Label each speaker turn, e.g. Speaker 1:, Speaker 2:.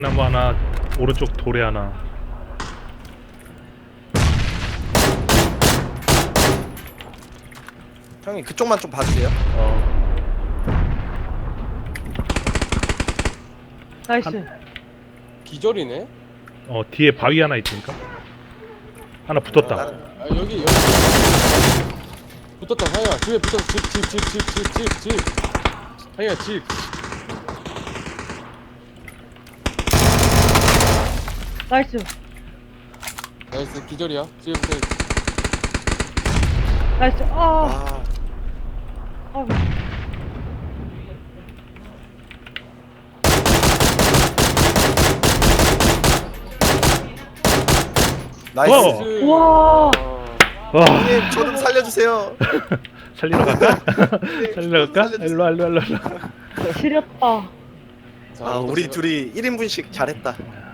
Speaker 1: 나무 하나, 오른쪽 돌에 하나.
Speaker 2: 형님 그쪽만 좀 봐주세요.
Speaker 3: 나이스.
Speaker 4: 기절이네?
Speaker 1: 뒤에 바위 하나 있으니까. 하나 붙었다.
Speaker 4: 아 여기 붙었다. 하영아 집에 붙었어. 집 하영아 집.
Speaker 3: 나이스.
Speaker 4: 나이스 기절이야. 집에 붙어.
Speaker 3: 나이스. 아.
Speaker 2: 아,
Speaker 3: 아.
Speaker 2: 나이스.
Speaker 1: 어.
Speaker 3: 와.
Speaker 1: 와,
Speaker 2: 형님 저 좀 살려주세요.
Speaker 1: 살리러 갈까? 살리러 갈까?
Speaker 2: 살려주세요.
Speaker 1: 일로 와.
Speaker 3: 지렸다.
Speaker 4: 자,
Speaker 2: 아 우리 둘이 1인분씩 잘했다.